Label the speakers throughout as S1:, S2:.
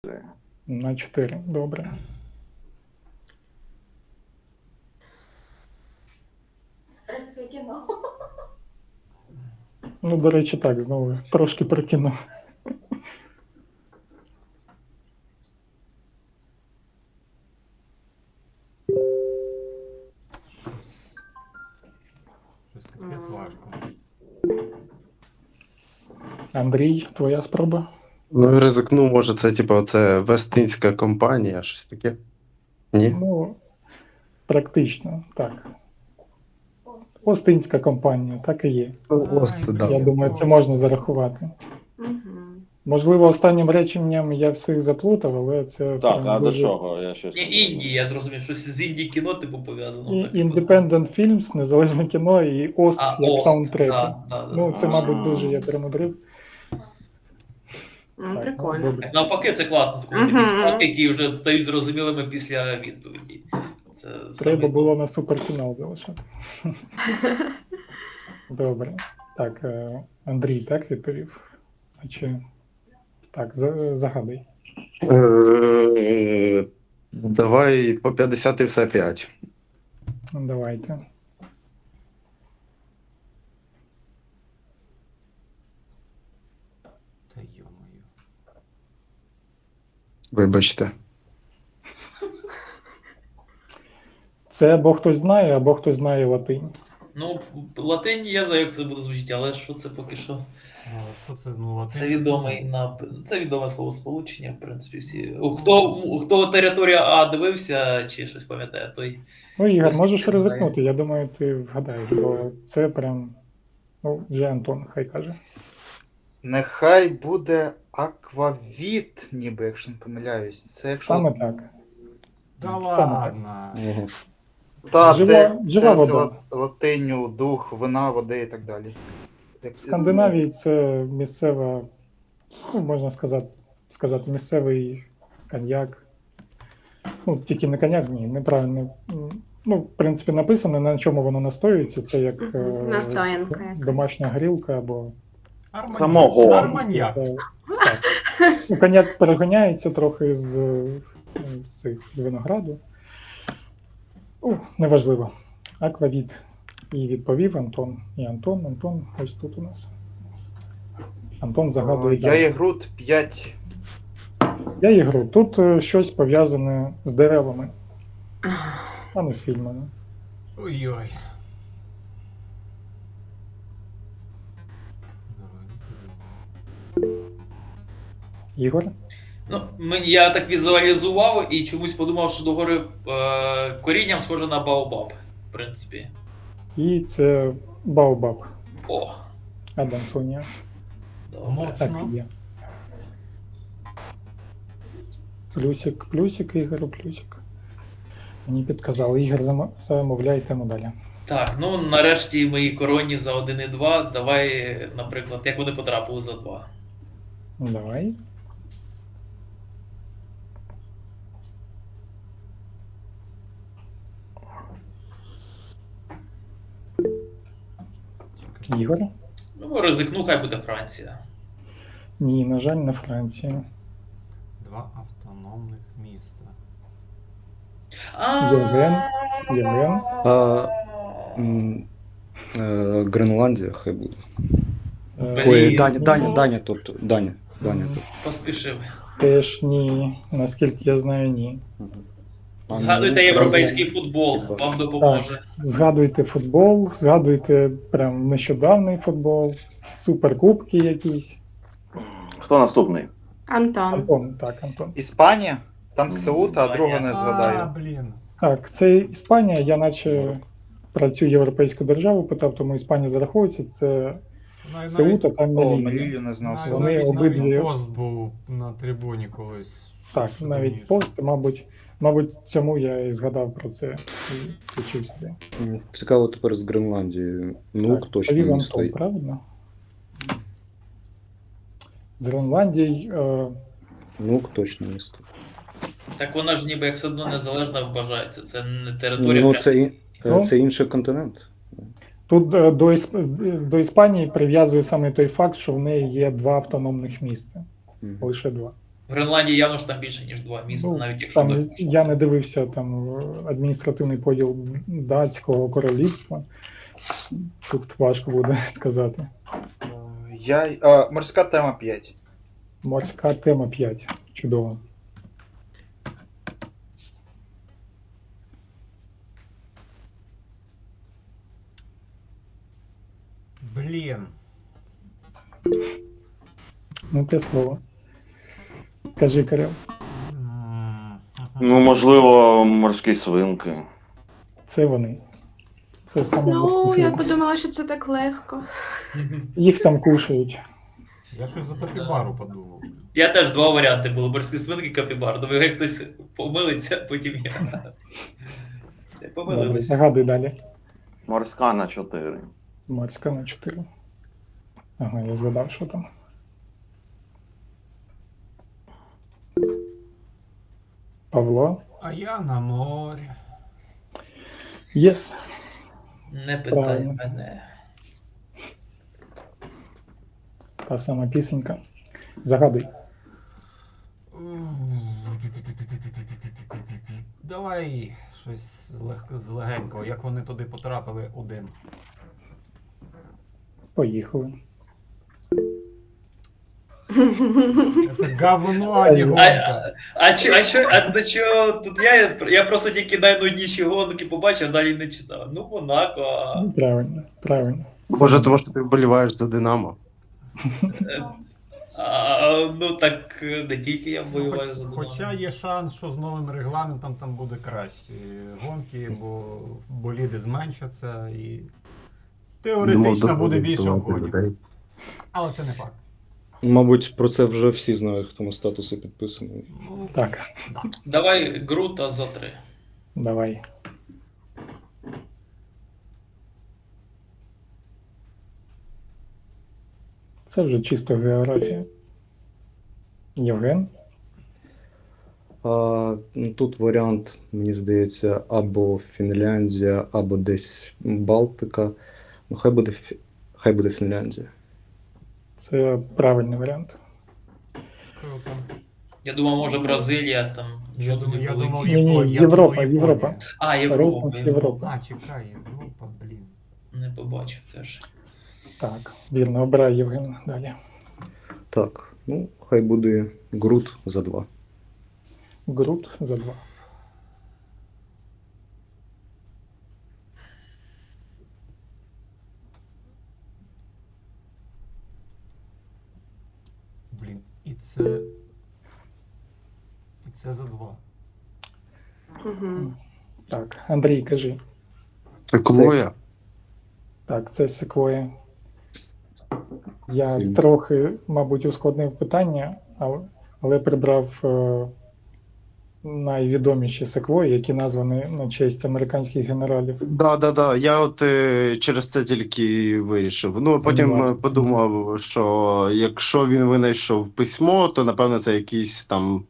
S1: На 4, добре.
S2: Рецьке кіно.
S1: Ну, до речі, так, знову трошки про кіно.
S3: Щось капець важко.
S1: Андрій, твоя спроба?
S4: Ну, ризикну, може, це типу, це Вестинська компанія, щось таке. Ні?
S1: Ну, практично, так. Остинська компанія, так і є.
S4: Ну, ось,
S3: Ай,
S4: да.
S1: Я думаю, це можна зарахувати.
S5: Мгм.
S1: Можливо, останнім реченням я всіх заплутав, але це
S6: Так,
S1: прям
S6: а до
S1: дуже...
S6: чого? Я щось.
S7: Ні, Індії, я зрозумів, щось з Індії кіно типу пов'язано.
S1: І
S7: так.
S1: Independent Films, незалежне кіно і Ост
S7: А,
S1: як
S7: Ост,
S1: саундтрек.
S7: да.
S1: Ну, це, мабуть, дуже я перемудрив.
S5: Ну,
S1: Так,
S5: прикольно.
S1: добре.
S7: Так, навпаки, це класно, коли такі
S5: Мгм.
S7: фрази, які вже стають зрозумілими після відповіді. Це
S1: Треба
S7: саме-
S1: було на суперфінал залишати. Добре. Так, Андрій так відповів? А чи... Так, загадуй.
S4: Давай по 50 і все 5.
S1: Ну, давайте.
S3: Та йо-моє.
S4: Вибачте.
S1: Це або хтось знає, або хтось знає латинь.
S7: Ну, латині я знаю, як це буде звучати, але що це поки що?
S3: Що це, ну, латин?
S7: Це відомий це відоме словосполучення, в принципі, всі. Хто територія А дивився чи щось пам'ятає, той.
S1: Ну, Ігор,
S7: Хтось
S1: можеш
S7: знає.
S1: ризикнути, я думаю, ти вгадаєш, бо це прям... Ну, вже Антон хай каже.
S8: Нехай буде аквавіт, ніби, якщо не помиляюсь. Це якщо...
S1: Саме так.
S3: Та
S1: Саме
S3: ладно.
S8: Та,
S1: Жива вода.
S8: латиню, дух, вина, води і так далі.
S1: В Скандинавії це місцева, ну, можна сказати, місцевий коньяк. Ну, тільки не коньяк, ні, неправильно. Ну, в принципі, написано, на чому воно настоюється. Це як
S5: Настоянка якась.
S1: домашня грілка або...
S3: Арманьяк.
S6: Самого.
S3: Арманьяк.
S1: Так. Ну, коньяк перегоняється трохи з винограду. Неважливо. Аквавіт. І відповів Антон. І Антон ось тут у нас. Антон загадує.
S8: Я
S1: далі.
S8: ігрут 5.
S1: Я ігру. Тут щось пов'язане з деревами, а не з фільмами.
S3: Ой-ой.
S1: Ігор?
S7: Ну, я так візуалізував і чомусь подумав, що догори корінням схоже на Баобаб, в принципі.
S1: І це Баобаб.
S7: О,
S1: Адам Сонія.
S7: добре.
S1: Так
S3: Моцно.
S1: і є. Плюсик, Ігору, плюсик. Мені підказали. Ігор, замовляй тему далі.
S7: Так, ну нарешті мої коронні за 1 і 2. Давай, наприклад, як вони потрапили за 2.
S1: Давай. Ігор?
S7: Ну, ризикну, хай буде Франція.
S1: Ні, на жаль, не Франція.
S3: 2 автономних міста.
S1: Євген.
S4: Гренландія хай буде.
S1: Е,
S4: Ой,
S7: Блін,
S4: Даня тут. Даня тут.
S7: Поспішив.
S1: Теж ні. Наскільки я знаю, ні.
S7: Згадуйте європейський футбол, вам допоможе.
S1: Згадуйте футбол, згадуйте прям нещодавний футбол, суперкубки якісь.
S6: Хто наступний?
S5: Антон.
S1: Антон, так, Антон.
S8: Іспанія? Там Сеута, а
S7: Іспанія.
S8: другого не згадаю.
S3: Блін.
S1: Так, це Іспанія, я наче працюю європейську державу, питав, тому Іспанія зараховується, це Сеута, там
S8: О,
S1: Мелілля.
S8: Мелілью не знав.
S3: Навіть,
S1: Вони
S3: навіть
S1: обидві-
S3: пост був на трибуні колись.
S1: Так,
S3: Що
S1: навіть
S3: давніше.
S1: пост, мабуть, цьому я і згадав про це і включив сюди.
S4: Цікаво тепер з Гренландією. Нук
S1: Так,
S4: точно
S1: Львів
S4: не
S1: Антон,
S4: стоїть.
S1: правильно? З Гренландії,
S4: Нук точно не стоїть.
S7: Так вона ж ніби як все одно незалежна вважається. Це не територія.
S4: Ну,
S7: прям-
S4: це інший континент.
S1: тут до Іспанії прив'язує саме той факт, що в неї є 2 автономних міста.
S4: Мгм.
S1: Лише 2.
S7: В Гренландії явно ж там більше, ніж 2 міста,
S1: Ну,
S7: навіть якщо
S1: там
S7: до
S1: я не дивився там адміністративний поділ датського королівства. Тут важко буде сказати.
S8: Морська тема 5.
S1: Морська тема 5. Чудово.
S3: Блін.
S1: Ну, те слово. Кажи, Кирил.
S6: Ну, можливо, морські свинки.
S1: Це вони. Це саме
S5: Ну,
S1: безпосередньо.
S5: я подумала, що це так легко.
S1: Їх там кушають.
S3: Я щось за Топібару подумав.
S7: Я теж 2 варіанти були: морські свинки, капібар. Думаю, як хтось помилиться, потім я.
S1: Добре,
S7: Помилилися.
S1: загадуй далі.
S6: Морська на 4.
S1: Морська на 4. Ага, я згадав, що там. Павло.
S3: А я на морі.
S1: Єс.
S7: Не питай
S1: Правильно.
S7: мене.
S1: Та сама пісенька. Загадуй.
S3: Давай щось з легенького, як вони туди потрапили один.
S1: Поїхали.
S3: Це говно, а не гонка.
S7: А до чого тут я просто тільки найнудніші гонки побачив, далі не читав. Ну, Монако.
S1: Ну, правильно, правильно.
S4: Може, тому що ти вболіваєш за Динамо.
S7: Ну так не тільки я воюваю за Динамо.
S3: Хоча є шанс, що з новим регламентом там буде кращі гонки, бо боліди зменшаться і теоретично буде більше гонок. Але це не факт.
S9: Мабуть, про це вже всі знають, хто на статуси підписаний.
S3: Ну,
S1: Так,
S7: Давай Грута за 3.
S1: давай. Це вже чисто географія. Євген.
S9: Тут варіант, мені здається, або Фінляндія, або десь Балтика. Ну, хай буде Фінляндія.
S1: Це правильний варіант.
S3: круто.
S7: Я думав, може Бразилія там.
S3: Я думаю,
S1: Ні, Європа, Європа.
S7: А, Європа.
S1: Рейтинг Європа.
S3: А, чекай, Європа, блін.
S7: Не побачив теж.
S1: Так, вірно, обирай Євген далі.
S9: Так, ну, хай буде Грут за 2.
S1: Грут за 2.
S3: Блін, і це за 2.
S5: Угу.
S1: Так, Андрій, кажи.
S4: Секвоя.
S1: Так, це секвоя. Я
S9: Сильно.
S1: трохи, мабуть, ускладнив питання, але прибрав найвідоміші секвої, які названі на честь американських генералів.
S4: Да. Я от через це тільки вирішив. Ну, а потім
S1: Сумнівався.
S4: подумав, що якщо він винайшов письмо, то напевно це якийсь там.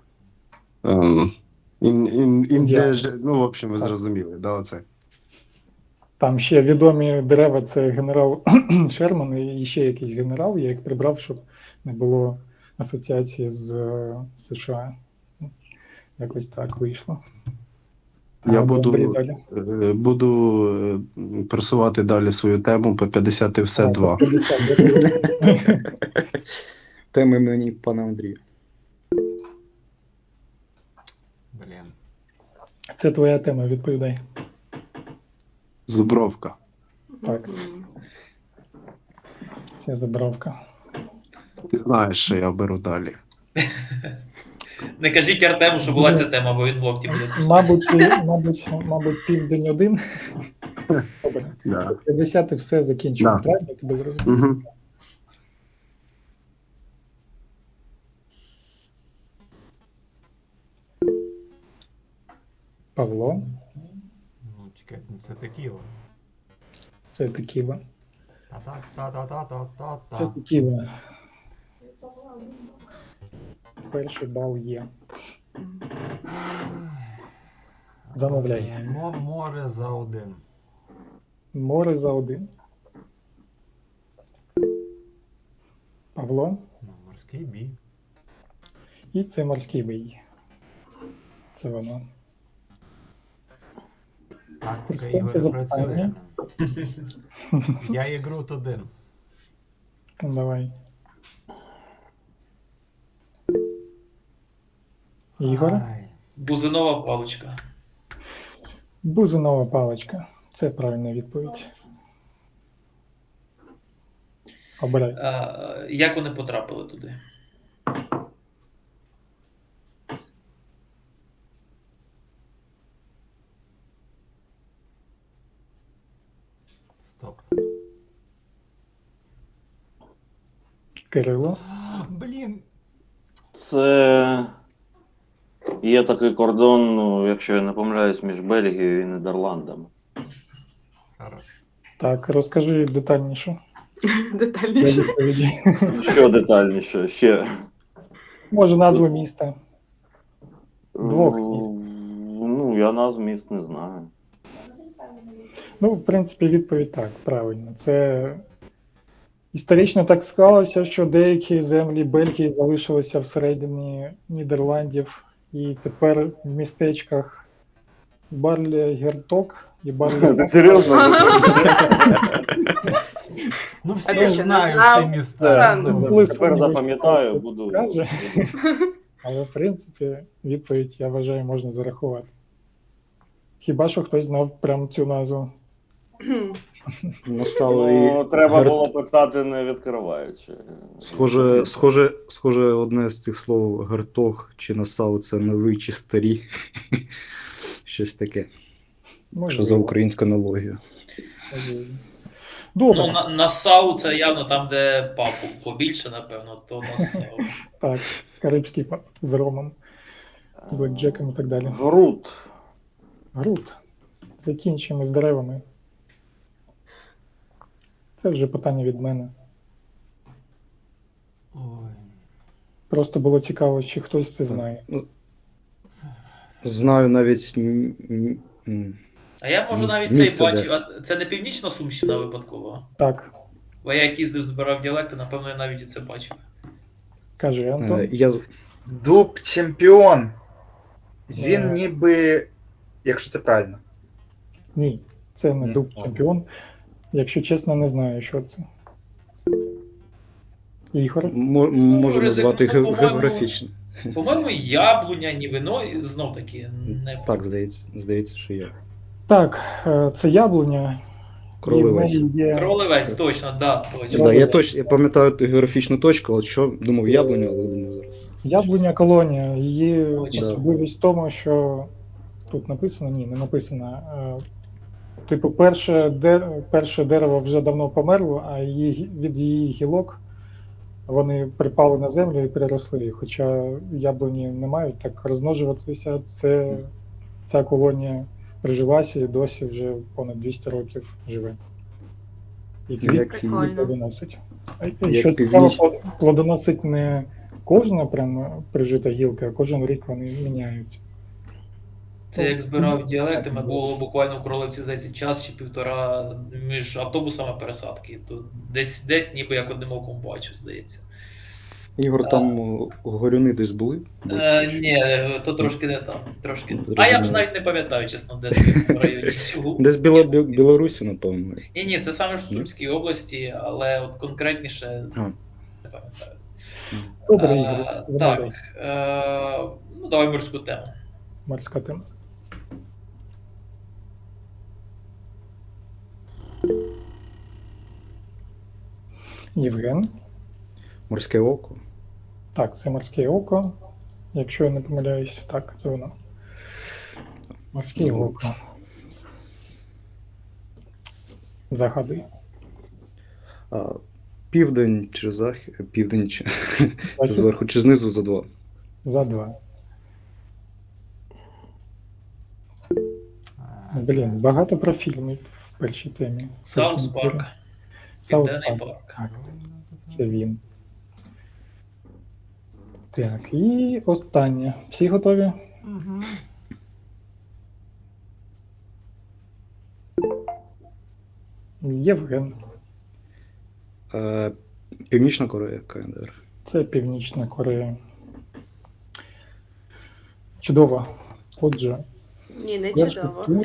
S4: Ну, в общем, ви
S1: Так.
S4: зрозуміли, да, оце.
S1: Там ще відомі дерева, це генерал Шерман і ще якийсь генерал, я їх прибрав, щоб не було асоціації з США. Якось так вийшло.
S4: Я
S1: Андрій,
S4: буду,
S1: далі.
S4: буду просувати далі свою тему по 50 і все 2.
S1: 50.
S9: Теми мені, пане Андрію.
S3: Блін.
S1: Це твоя тема, відповідай.
S4: Зубровка.
S1: Так. Це забравка.
S4: Ти знаєш, що я беру далі.
S7: Не кажіть Артему, що була ця тема, бо він в локті буде писати.
S1: Мабуть, південь один. Добре.
S4: Да.
S1: 50 і все закінчено.
S4: Да.
S1: Правильно я тебе зрозумів?
S4: Угу.
S1: Павло,
S3: Ну, чекай, ну це текіла.
S1: це текіла. Це
S3: Та-та-та-та-та-та-та.
S1: текіла. Перший бал є. Замовляй.
S3: Море за 1.
S1: Море за 1. Павло,
S3: Ну, морський бій.
S1: І це морський бій. Це воно.
S3: Тактика
S1: Приступте
S3: Ігоря
S1: запитання.
S3: працює. Я є Грут 1.
S1: Ну, давай. Ігор.
S3: Ай.
S7: Бузинова паличка.
S1: Бузинова паличка. Це правильна відповідь. Обирай.
S7: Як вони потрапили туди?
S3: Стоп.
S1: Кирило.
S3: Блін.
S6: Це є такий кордон, ну, якщо я не помиляюсь, між Бельгією і Нідерландами.
S3: Хорош.
S1: Так, розкажи детальніше. Для
S5: Детальніше.
S1: відповіді.
S6: Що детальніше? Ще.
S1: Може, назву міста. Двох міст.
S6: Ну, я назв міст не знаю.
S1: Ну, в принципі, відповідь так, правильно. Це історично так склалося, що деякі землі Бельгії залишилися всередині Нідерландів, і тепер в містечках Барле-Герток і Барле.
S6: Ти серйозно?
S3: Ну
S5: А
S3: всі
S5: ти
S3: ж
S5: ще не
S3: знають
S5: знав?
S3: ці міста.
S5: Рано.
S6: Тепер запам'ятаю, буду.
S1: Скаже. Але, в принципі, відповідь, я вважаю, можна зарахувати. Хіба що хтось знав прямо цю назву.
S9: Нассау
S6: Ну,
S9: і
S6: треба
S9: Герт-
S6: було питати, не відкриваючи.
S9: Схоже, одне з цих слов гертог чи Нассау це новий чи старі. Щось таке. Що за українську аналогію.
S1: Можливо.
S7: Ну,
S1: Добре,
S7: Нассау це явно там, де папу побільше, напевно, то Нассау.
S1: так, карибський з ромом, блекджеком і так далі.
S6: Грут.
S1: Грут. Закінчимо з деревами. Це вже питання від мене.
S3: Ой.
S1: Просто було цікаво, чи хтось це знає.
S9: Знаю навіть
S7: А я можу навіть
S9: Місце
S7: цей
S9: де?
S7: бачив. А це не північна Сумщина випадково.
S1: Так,
S7: Бо я як їздив, збирав діалекти, напевно, я навіть і це бачив.
S1: каже Антон.
S8: Дуб чемпіон. Він
S1: Е.
S8: ніби. Якщо це правильно.
S1: Ні, це не
S8: Ні.
S1: дуб чемпіон. Якщо чесно, не знаю, що це. Ігор.
S9: Може назвати
S7: по-моєму,
S9: географічно.
S7: По-моєму, яблуня, ніби, ну, і знов таки, не
S9: Так, здається, що є.
S1: Так, це яблуня.
S9: Кролевець.
S1: І в неї є...
S7: Кролевець, точно, да, точно.
S9: Да, я пам'ятаю ту географічну точку, от що думав яблуня, але думаю зараз.
S1: Яблуня колонія. Її
S7: Точно.
S1: особливість в тому, що тут написано, ні, не написано. Типу, перше дерево вже давно померло, а від її гілок вони припали на землю і переросли. Хоча яблуні не мають так розмножуватися, ця колонія прижилася і досі вже понад 200 років живе. І
S9: Як і-
S1: плодоносить. І
S9: Як
S1: що
S9: північ-
S1: цікаво, плодоносить не кожна прям прижита гілка, а кожен рік вони міняються.
S7: Це як збирав діалекти, ми було буквально в Кролевці, здається, час чи півтора між автобусами пересадки. То десь ніби як одним оком бачу, здається.
S9: Ігор, там горюни десь були?
S7: Ні, то трошки не там. Трошки.
S9: Ну,
S7: А я вже
S9: зрозуміло.
S7: навіть не пам'ятаю, чесно, де це в районі. Чого?
S9: Десь Білорусі, напевно.
S7: Ні, це саме ж в Сумській області, але от конкретніше
S9: А.
S7: не пам'ятаю.
S1: Добре, Ігор,
S7: Так,
S1: замовляй.
S7: ну давай морську тему.
S1: Морська тема. Євген.
S9: Морське око.
S1: Так, це морське око. Якщо я не помиляюсь, так, це воно. Морське
S9: Ну,
S1: око. Загади.
S9: Південь чи захід? Південь чи це зверху чи знизу за 2.
S1: За 2. Блін, багато про фільмів в першій темі.
S7: Саус Парк.
S1: Саус
S7: Південний
S1: Парк.
S7: парк.
S1: Так, це він. Так, і останнє. Всі готові?
S3: Угу.
S1: Євген.
S9: Північна Корея, КНДР.
S1: Це Північна Корея. Чудово. Отже,
S5: Ні, не
S1: перший
S5: чудово.
S1: тур.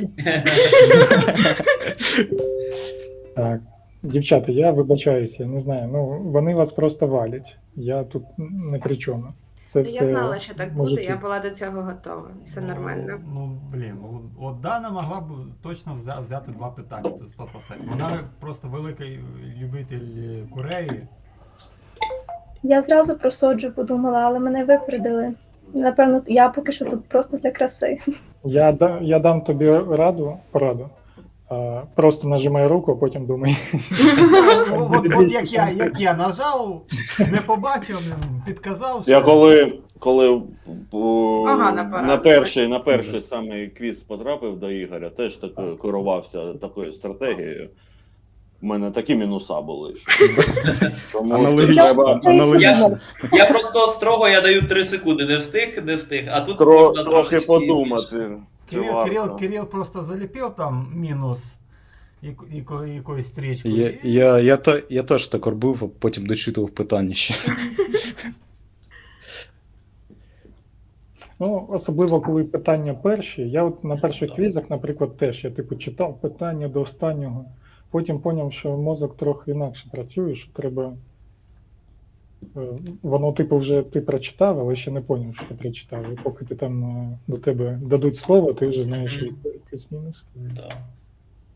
S1: Так. Дівчата, я вибачаюся, я не знаю. Ну, вони вас просто валять. Я тут не при чому. Це все
S5: Я знала, що так буде,
S1: мужики.
S5: я була до цього готова. Все нормально.
S3: Ну, блін, от Дана могла б точно взяти 2 питання, це 100%. Вона просто великий любитель Кореї.
S10: Я зразу про соджу подумала, але мене випередили. Напевно, я поки що тут просто для краси.
S1: Я дам тобі пораду. Просто нажимай руку, а потім думай.
S3: От як я нажав, не побачив, підказав, що...
S6: Я коли
S5: Погана
S6: на
S5: порада.
S6: перший самий квіз потрапив до Ігоря, теж так керувався такою стратегією. У мене такі мінуса були. Тому
S4: Аналогічно.
S6: треба
S4: Аналогічно.
S7: Я просто строго я даю 3 секунди. Не встиг, а тут можна
S6: трохи
S7: трошечки
S6: подумати. чи варто.
S3: Кирил просто заліпив там мінус якоюсь стрічкою.
S9: Я теж так робив, а потім дочитував питання ще.
S1: Ну, особливо, коли питання перші. Я от на перших квізах, наприклад, теж я типу читав питання до останнього. Потім зрозумів, що мозок трохи інакше працює, що треба. Воно, типу, вже ти прочитав, але ще не зрозумів, що ти прочитав. І поки ти там до тебе дадуть слово, ти вже знаєш відповідь плюс-мінус.
S7: Да.